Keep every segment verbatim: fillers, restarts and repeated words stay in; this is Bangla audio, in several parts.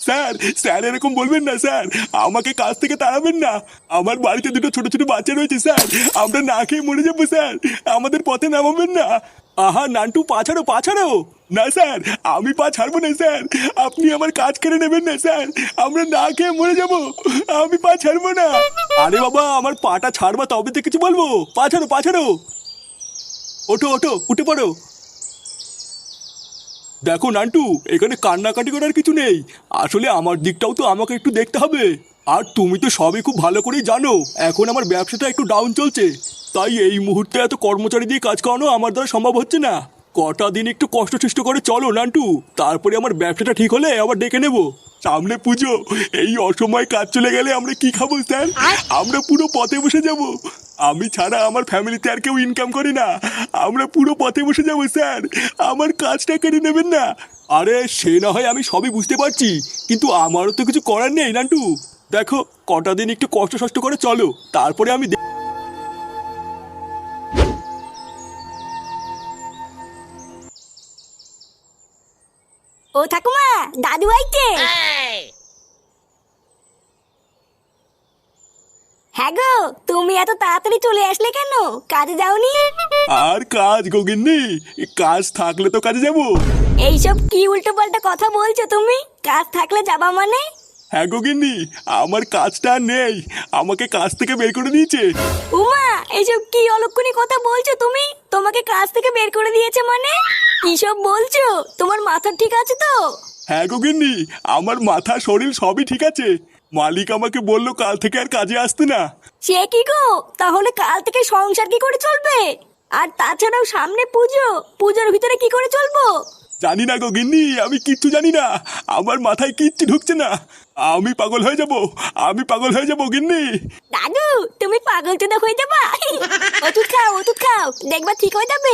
স্যার স্যার এরকম বলবেন না স্যার, আমাকে কাজ থেকে তাড়াবেন না। আমার বাড়িতে দুটো ছোট ছোট বাচ্চা রয়েছে স্যার, আমরা না খেয়ে মরে যাবো স্যার, আমাদের পথে নামাবেন না। আহা নান্টু, পা ছাড়ো পা ছাড়ো। না স্যার, আমি পা ছাড়বো না স্যার, আপনি আমার কাজ কেড়ে নেবেন না স্যার, আমরা না খেয়ে মরে যাবো, আমি পা ছাড়বো না। আরে বাবা, আমার পাটা ছাড়বা তবে তো কিছু বলবো। পা ছাড়ো পা ছাড়ো, ওঠো ওঠো, উঠে পড়ো। দেখো নান্টু, এখানে কান্নাকাটি করার কিছু নেই, আসলে আমার দিকটাও তো আমাকে একটু দেখতে হবে। আর তুমি তো সবই খুব ভালো করেই জানো এখন আমার ব্যবসাটা একটু ডাউন চলছে, তাই এই মুহূর্তে এত কর্মচারী দিয়ে কাজ করানো আমার দ্বারা সম্ভব হচ্ছে না। কটা দিন একটু কষ্ট সৃষ্ট করে চলো নান্টু, তারপরে আমার ব্যবসাটা ঠিক হলে আবার ডেকে নেবো। সামনে পুজো, এই অসময়ে কাজ চলে গেলে আমরা কি খাবো স্যার? আমরা পুরো পথে বসে যাব। আমি ছাড়া আমার ফ্যামিলিতে আর কেউ ইনকাম করে না, আমরা পুরো পথে বসে যাবো স্যার, আমার কাজটা কেড়ে নেবেন না। আরে সে না হয় আমি সবই বুঝতে পারছি, কিন্তু আমারও তো কিছু করার নেই নান্টু। দেখো কটা দিন একটু কষ্ট সষ্ট করে চলো, তারপরে আমি। ও ঠাকুমা, দাদু আইতে। হ্যাঁ গো, তুমি এত তাড়াতাড়ি চলে আসলে কেন? কাজে যাওনি? আর কাজ গোগিন্নি, কাজ থাকলে তো কাজে যাবো। এইসব কি উল্টো পাল্টা কথা বলছো তুমি? কাজ থাকলে যাবা মানে? হ্যাঁ গোগিন্নি, আমার কাজটা আর নেই, আমাকে কাজ থেকে বের করে দিয়েছে। উমা, এইসব কি অলক্ষণী কথা বলছো তুমি? তোমাকে কাজ থেকে বের করে দিয়েছে মানে? কি সব বলছো? তোমার মাথা ঠিক আছে তো? হ্যাঁ গোগিন্নি, আমার মাথা শরীর সবই ঠিক আছে, মালিক আমাকে বললো কাল থেকে আর কাজে আসতে না। সে কি গো, তাহলে কাল থেকে সংসার কি করে চলবে? আর তাছাড়াও সামনে পুজো, পুজোর ভিতরে কি করে চলবো? জানি না গোগিন্নি, আমি কিচ্ছু জানি না, আমার মাথায় কিচ্ছু ঢুকছে না, আমি পাগল হয়ে যাব, আমি পাগল হয়ে যাবো গিন্নি। দাদু, তুমি পাগল চোদা হয়ে যাবা। ওষুধ খাও ওষুধ খাও, দেখবা ঠিক হয়ে যাবে।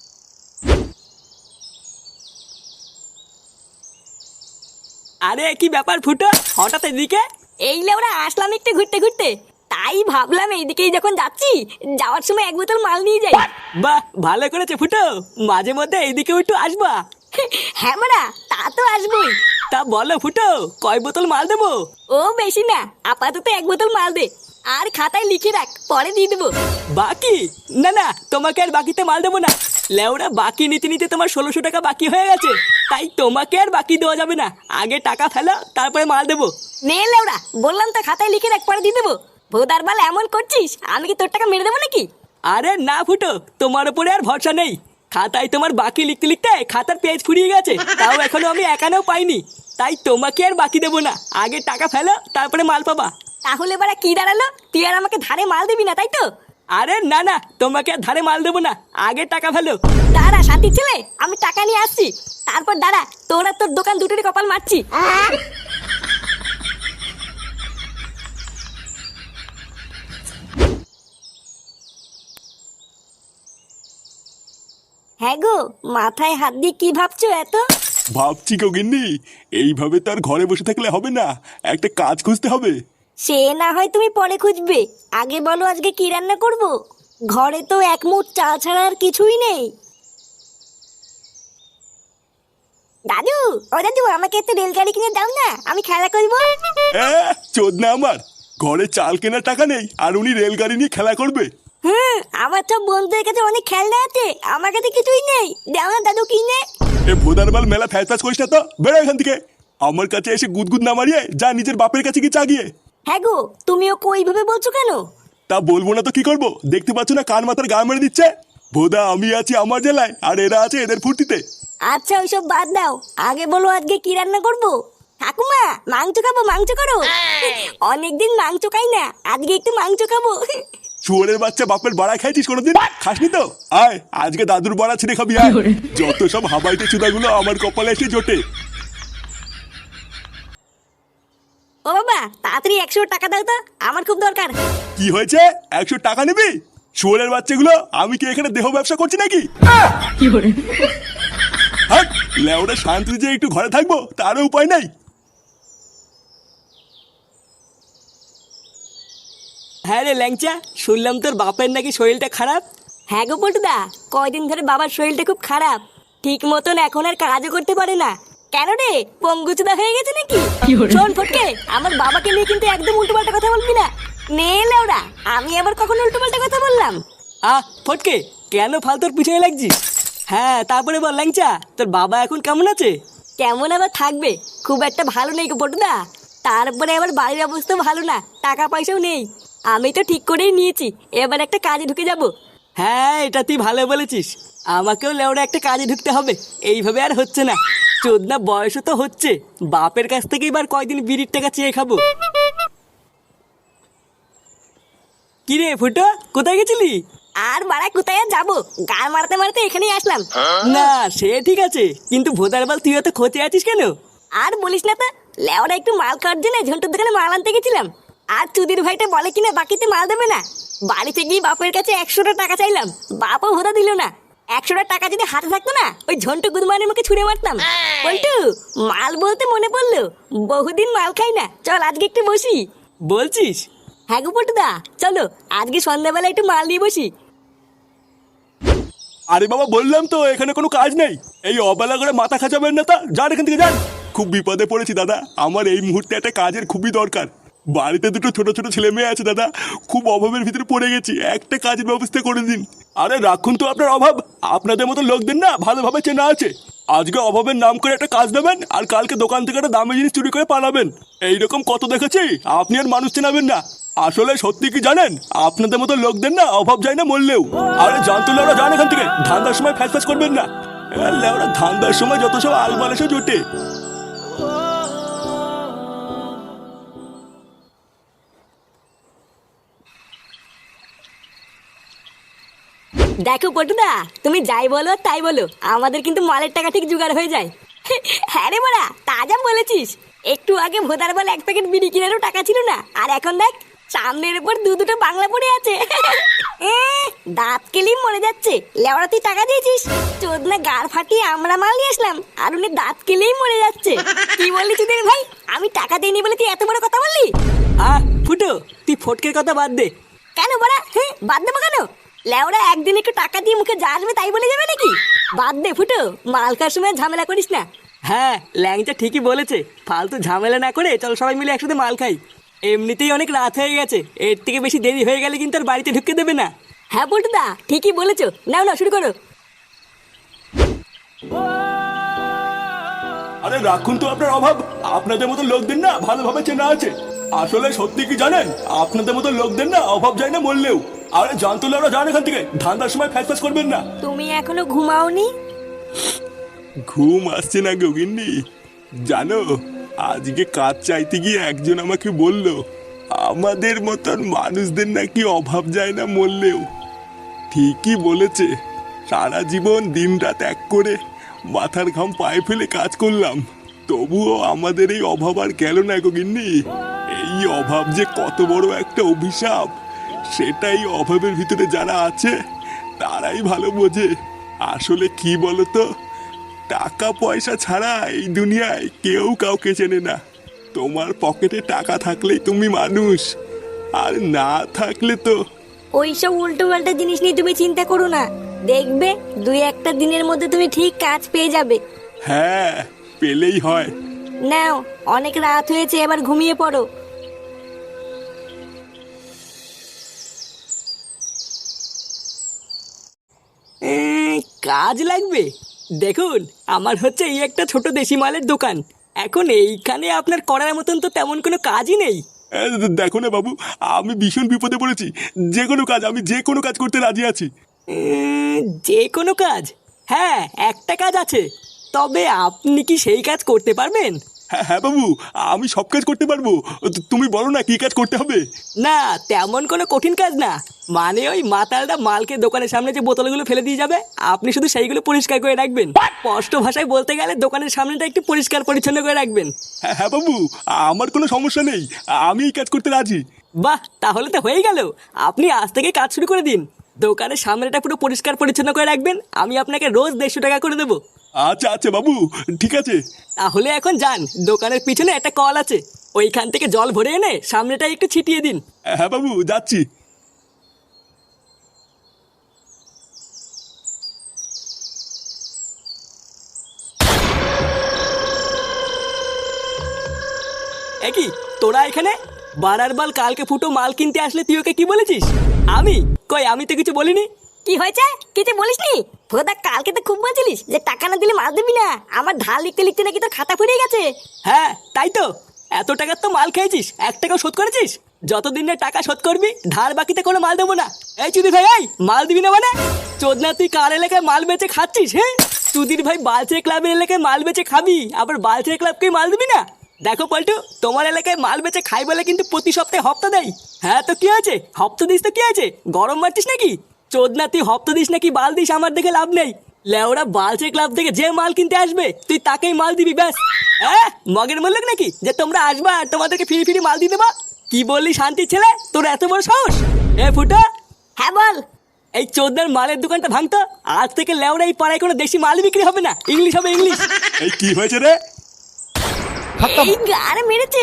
আরে কি ব্যাপার ফুটো, হঠাৎ এদিকে? এই লেওরা আসলাম একটু ঘুরতে ঘুরতে, তাই ভাবলাম এইদিকেই যখন যাচ্ছি, যাওয়ার সময় এক বোতল মাল নিয়ে যাই। বাহ, ভালো করেছে ফুটো, মাঝে মধ্যে এইদিকেও একটু আসবা। হ্যাঁ মারা, তা তো আসবোই। তা বলো ফুটো, কয় বোতল মাল দেবো? ও বেশি না, আপাতত এক বোতল মাল দে, আর খাতায় লিখে রাখ, পরে দিয়ে দেবো। বাকি? না না, তোমাকে আর বাকিতে মাল দেবো না। লেওরা, বাকি নিতে নিতে তোমার ষোলোশো টাকা বাকি হয়ে গেছে, তাই তোমাকে আর বাকি দেওয়া যাবে না, আগে টাকা ফেলো তারপরে মাল দেবো। নে লেওরা, বললাম তো খাতায় লিখে রাখ, পরে দিয়ে দেবো। ভোদার বাল এমন করছিস, আমি কি তোর টাকা মেরে দেবো নাকি? আরে না ফুটো, তোমার উপরে আর ভরসা নেই, খাতায় তোমার বাকি লিখতে লিখতে খাতার পেজ ফুরিয়ে গেছে, তাও এখনো আমি একানেও পাইনি, তাই তোমাকে আর বাকি দেবো না, আগে টাকা ফেলো তারপরে মাল পাবা। তাহলে বারা কি দাঁড়ালো, তুই আর আমাকে ধারে মাল দিবি না তাই তো? আরে না না, তোমাকে আর ধারে মাল দেবো না, আগে টাকা ফেলো। দাঁড়া শান্তি ছেলে, আমি টাকা নিয়ে আসছি, তারপর দাঁড়া, তোরা তোর দোকান দুটোরই কপাল মারছি। হ্যাঁ গো, মাথায় হাত দিয়ে কি ভাবছো এত? ভাবছি গোগিন্নি, এইভাবে তো আর ঘরে বসে থাকলে হবে না, একটা কাজ খুঁজতে হবে। সে না হয় তুমি পরে খুঁজবে, আগে বলো আজকে কি রান্না করব? ঘরে তো এক মুঠ চাল ছাড়া আর কিছুই নেই। দাদু, ও দাদু, আমাকে একটু রেলগাড়ি কিনে দাও না, আমি খেলা করবো। চোদনা আমার, ঘরে চাল কেনার টাকা নেই আর উনি রেলগাড়ি নিয়ে খেলা করবে? হুম, আমার সব বন্ধুদের কাছে অনেক খেলনা আছে, আমার কাছে কিছুই নেই, দাও না দাদু কিনে। এ ভোদার বাল, মেলা ফ্যাস ফ্যাস করিস না তো, বেরো এখান থেকে। আমার কাছে এসে গুদগুদ না মারিয়ে যা নিজের বাপের কাছে কি চাগিয়ে। হ্যাঁ গো, তুমিও কই ভাবে বলছো কেন? তা বলবো না তো কি করবো, দেখতে পাচ্ছ না কান মাথার গা মেরে দিচ্ছে। ভোদা, আমি আছি আমার জেলায় আর এরা আছে এদের ফুর্তিতে। আচ্ছা ওইসব বাদ দাও, আগে বলো আজকে কি রান্না করবো? ঠাকুমা, মাংস খাবো, মাংস করো। অনেকদিন মাংস খাই না, আজকে একটু মাংস খাবো। শুয়োরের বাচ্চা, বাপের বাড়া খাইছিস কোনোদিন? খাসনি তো? আয় আজকে দাদুর বাড়া ছিঁড়ে খাবি আয়। যত সব হাবাইতে চুদাগুলো আমার কপালে এসে জোটে। ও বাবা, তাড়াতাড়ি একশো টাকা দাও তো, আমার খুব দরকার। কি হয়েছে, একশো টাকা নিবি? শুয়োরের বাচ্চাগুলো, আমি কি এখানে দেহ ব্যবসা করছি নাকি? হাট, লেওরা শান্তি যে একটু ঘরে থাকবো তারও উপায় নাই। হ্যাঁ রে ল্যাংচা, শুনলাম তোর বাপের নাকি শরীরটা খারাপ। হ্যাঁ গো পল্টুদা, কয়দিন ধরে বাবার শরীরটা খুব খারাপ, ঠিক মতন এখন আর কাজও করতে পারে না, কেন রে পঙ্গুচুদা হয়ে গেছে নাকি? শোন ফটকে, আমার বাবাকে নিয়ে কিন্তু একদম উল্টোপাল্টা কথা বলবি না। নে লেওড়া, আমি আবার কখন উল্টোপাল্টা কথা বললাম? আহ ফটকে, কেন ফালতুর পিছনে লাগছিস? হ্যাঁ তারপরে বল ল্যাংচা, তোর বাবা এখন কেমন আছে? কেমন আবার থাকবে, খুব একটা ভালো নেই গো পটুদা। তারপরে আবার বাড়ির অবস্থা ভালো না, টাকা পয়সাও নেই। আমি তো ঠিক করেই নিয়েছি, এবার একটা কাজে ঢুকে যাব। হ্যাঁ এটা তুই ভালো বলেছিস, আমাকেও লেওড়া একটা কাজে ঢুকতে হবে, এইভাবে আর হচ্ছে না। চোদনা বয়সও তো হচ্ছে, বাপের কাছ থেকে এবার কয়দিন বিড়ির টাকা চেয়ে খাবো। কি রে ফুটো, কোথায় গেছিলি? আর বাড়া কোথায় আর যাবো, গাল মারতে মারতে এখানেই আসলাম। না সে ঠিক আছে, কিন্তু ভোদার বাল তুই এত খোঁচে আছিস কেন? আর বলিস না তো, লেওরা একটু মাল খাওয়ার জন্য ঝন্টুর দোকানে মাল আনতে গেছিলাম। আর চুদির ভাইটা বলে কিনা বাকিতে মাল দেবে না। বাড়িতে গিয়ে বাপের কাছে একশোটা টাকা চাইলাম, বাপও ভোদা দিল না। একশোটা টাকা যদি হাতে থাকতো না, ওই ঝন্টু গুদমানের মুখে ছুঁড়ে মারতাম। বল্টু, মাল বলতে মনে পড়লো, বহুদিন মাল খাই না, চল আজকে একটু বসি। বলছিস? হ্যাঁ গো পটুদা, চলো আজকে সন্ধ্যাবেলা একটু মাল নিয়ে বসি। আরে বাবা বললাম তো এখানে কোনো কাজ নেই, এই অবেলা করে মাথা খাঁচাবেন না, তা যান এখান থেকে যান। খুব বিপদে পড়েছি দাদা, আমার এই মুহূর্তে একটা কাজের খুবই দরকার। বাড়িতে দুটো ছোট ছোট ছেলে মেয়ে আছে দাদা, খুব অভাবের ভিতরে পড়ে গেছি, একটা কাজের ব্যবস্থা করে দিন। আরে রাখুন তো আপনার অভাব, আপনাদের মতো লোকদের না ভালোভাবে চেনা আছে। আজকে অভাবের নাম করে একটা কাজ নেবেন, আর কালকে দোকান থেকে একটা দামি জিনিস চুরি করে পালাবেন। এইরকম কত দেখেছি, আপনি আর মানুষ চেনাবেন না। আসলে সত্যি কি জানেন, আপনাদের মতো লোকদের না অভাব যায় না মরলেও। আরে জানতো লেওরা, যান এখান থেকে, ধান্দার সময় ফ্যাস ফ্যাস করবেন না। লেওরা ধান্দার সময় যত সব আলবাল এসে জোটে। দেখো পটুদা, তুমি যাই বলো আর তাই বলো, আমাদের কিন্তু মালের টাকা ঠিক জোগাড় হয়ে যায়। হ্যাঁ রে বড়া, তাজা বলেছিস। একটু আগে ভোদার বল এক প্যাকেট বিড়ি কেনারও টাকা ছিল না, আর এখন দেখ সামনের উপর দু দুটো বাংলা পড়ে আছে। এ, দাঁত কেলেই মরে যাচ্ছে। লেওড়া তুই টাকা দিয়েছিস, চোদনা গাড় ফাটিয়ে আমরা মাল নিয়ে আসলাম, আর উনি দাঁত কেলেই মরে যাচ্ছে। কি বললি চুদের ভাই, আমি টাকা দিইনি বলে তুই এত বড় কথা বললি? আহ ফুটো, তুই ফটকের কথা বাদ দে। কেন বড়া, হ্যাঁ বাদ দেবো কেন? লেওরা একদিন একটু টাকা দিয়ে মুখে যা আসবে তাই বলে যাবে নাকি? বাদ দে ফুটো, মাল খাওয়ার সময় ঝামেলা করিস না। হ্যাঁ ল্যাংচা ঠিকই বলেছে, ফালতু ঝামেলা না করে চল সবাই মিলে একসাথে মাল খাই। এমনিতেই অনেক রাত হয়ে গেছে, এর থেকে বেশি দেরি হয়ে গেলে কিন্তু আর বাড়িতে ঢুকতে দেবে না। হ্যাঁ পটুদা, ঠিকই বলেছো, নাও না শুরু করো। আরে রাখুন তো আপনার অভাব, আপনাদের মতো লোকদের না ভালোভাবে চেনা আছে। আসলে সত্যি কি জানেন, আপনাদের মতো লোকদের না অভাব যায় না মরলেও। আরে জানতো লেওরা, যান এখান থেকে, ধান্দার সময় ফ্যাস ফ্যাস করবেন না। তুমি এখনো ঘুমাওনি? ঘুম আসছে না গগিন্নি, জানো আজকে কাজ চাইতে গিয়ে একজন আমাকে বলল, আমাদের মতন মানুষদের নাকি অভাব যায় না মরলেও। ঠিকই বলেছে, সারা জীবন দিন রাত এক করে মাথার ঘাম পায়ে ফেলে কাজ করলাম, তবুও আমাদের এই অভাব আর গেল না গগিন্নি। এই অভাব যে কত বড় একটা অভিশাপ, সেটাই অভাবের ভিতরে যারা আছে তারাই ভালো বোঝে। আসলে কি বলতো, টাকা পয়সা ছাড়া এই দুনিয়ায় কেউ কাউকে চেনে না। তোমার পকেটে টাকা থাকলেই তুমি মানুষ, আর না থাকলে তো। ওইসব উল্টো পাল্টা জিনিস নিয়ে তুমি চিন্তা করো না, দেখবে দুই একটা দিনের মধ্যে তুমি ঠিক কাজ পেয়ে যাবে। হ্যাঁ পেলেই হয়। নাও, অনেক রাত হয়েছে, এবার ঘুমিয়ে পড়ো। এ, কাজ লাগবে? দেখুন, আমার হচ্ছে এই একটা ছোট দেশি মালের দোকান, এখন এইখানে আপনার করার মতন তো তেমন কোনো কাজই নেই। এ, দেখো না বাবু, আমি ভীষণ বিপদে পড়েছি, যে কোনো কাজ, আমি যে কোনো কাজ করতে রাজি আছি। উম, যে কোনো কাজ? হ্যাঁ একটা কাজ আছে, তবে আপনি কি সেই কাজ করতে পারবেন? হ্যাঁ হ্যাঁ বাবু, আমি সব কাজ করতে পারবো, তু- তুমি বলো না কি কাজ করতে হবে। না তেমন কোনো কঠিন কাজ না, মানে ওই মাতালটা মালকে দোকানের সামনে যে বোতলগুলো ফেলে দিয়ে যাবে, আপনি শুধু সেইগুলো পরিষ্কার করে রাখবেন। স্পষ্ট ভাষায় বলতে গেলে দোকানের সামনেটা একটু পরিষ্কার পরিচ্ছন্ন করে রাখবেন। হ্যাঁ হ্যাঁ বাবু, আমার কোনো সমস্যা নেই, আমি এই কাজ করতে রাজি। বাহ, তাহলে তো হয়ে গেল, আপনি আজ থেকে কাজ শুরু করে দিন। দোকানের সামনেটা পুরো পরিষ্কার পরিচ্ছন্ন করে রাখবেন, আমি আপনাকে রোজ দেড়শো টাকা করে দেবো। আচ্ছা আচ্ছা বাবু, ঠিক আছে। তাহলে এখন যান, দোকানের পিছনে একটা কল আছে, ওইখান থেকে জল ভরে এনে সামনেটা একটু ছিটিয়ে দিন। হ্যাঁ বাবু, যাচ্ছি। এ কি তোরা এখানে? বারার বাল কালকে ফুটো মাল কিনতে আসলে তুই ওকে কি বলেছিস? আমি কই, আমি তো কিছু বলিনি। কি হয়েছে? কিছু বলিসনি? ভোদা কালকে তো খুব বলছিলিস যে টাকা না দিলে মাল দিবি না। আমার ধার লিখতে লিখতে নাকি তো খাতা ফুরিয়ে গেছে। হ্যাঁ তাই তো, এত টাকার তো মাল খেয়েছিস, এক টাকাও শোধ করেছিস? যতদিন না টাকা শোধ করবি ধার বাকিতে কোনো মাল দেবো না। এই চুদি ভাই, এই মাল দিবি না মানে? চোদনা তুই কার এলাকায় মাল বেচে খাচ্ছিস? হ্যাঁ চুদির ভাই, বালচের ক্লাবের এলাকায় মাল বেচে খাবি, আবার বালচের ক্লাবকে মাল দিবি না? দেখো পল্টু, তোমার এলাকায় মাল বেচে খাই বলে কিন্তু প্রতি সপ্তাহে হপ্তা দেয়। হ্যাঁ তো কি আছে, হপ্তা দিস তো কি আছে, গরম মারছিস নাকি? চোদনা তুই হপ্তা দিস নাকি বাল দিস আমার দেখে লাভ নেই। লেওরা বালচের ক্লাব থেকে যে মাল কিনতে আসবে তুই তাকেই মাল দিবি ব্যাস। হ্যাঁ মগের মূল্য নাকি যে তোমরা আসবা আর তোমাদেরকে ফিরি ফিরি মাল দিয়ে দেবা? কি বললি শান্তির ছেলে, তোর এত বড় সাহস? এ ফুটা, হ্যাঁ বল। এই চোদনার মালের দোকানটা ভাঙতো, আজ থেকে লেওরা এই পাড়ায় কোনো দেশি মাল বিক্রি হবে না, ইংলিশ হবে ইংলিশ। এই কি হয়েছে রে? এই গাড়ে মেরেছে।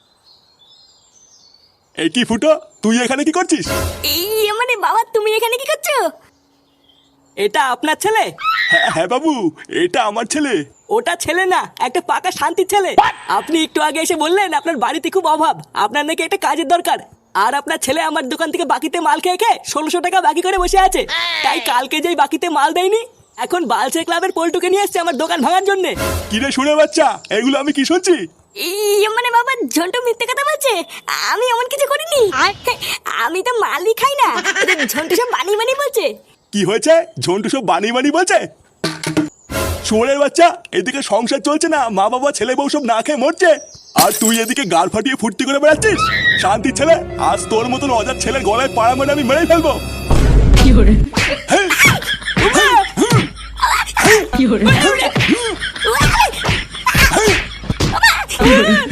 এই কি ফুটো, তুই এখানে কি করছিস? এই মানে বাবা, তুমি এখানে কি করছো? এটা আপনার ছেলে? হ্যাঁ হ্যাঁ বাবু, এটা আমার ছেলে। ওটা ছেলে না, একটা পাকা শান্তির ছেলে। আপনি একটু আগে এসে বললেন আপনার বাড়িতে খুব অভাব, আপনার নাকি একটা কাজের দরকার। আর আপনার ছেলে আমার দোকান থেকে বাকিতে মাল খেয়ে খেয়ে ষোলোশো টাকা বাকি করে বসে আছে। তাই কালকে যেই বাকিতে মাল দেয়নি, এখন বালচের ক্লাবের পল্টুকে নিয়ে এসছে আমার দোকান ভাঙার জন্য। কিরে শুনে বাচ্চা, এগুলো আমি কি শুনছি? এই মানে বাবা, ঝন্টু মিথ্যে কথা বলছে। আমি এমন কিছু করিনি। আমি তো মালই খাই না। ঝন্টু সব বানিয়ে বানিয়ে বলছে। কি হয়েছে? ঝন্টু সব বানিয়ে বানিয়ে বলছে? শুয়োরের বাচ্চা, এদিকে সংসার চলছে না, মা বাবা ছেলে বউ সব না খেয়ে মরছে, আর তুই এদিকে গাল ফাটিয়ে ফুর্তি করে বেড়াচ্ছিস। শান্তির ছেলে, আজ তোর মতন অজার ছেলের গলায় পাড়া মেরে আমি মেরে ফেলবো। কি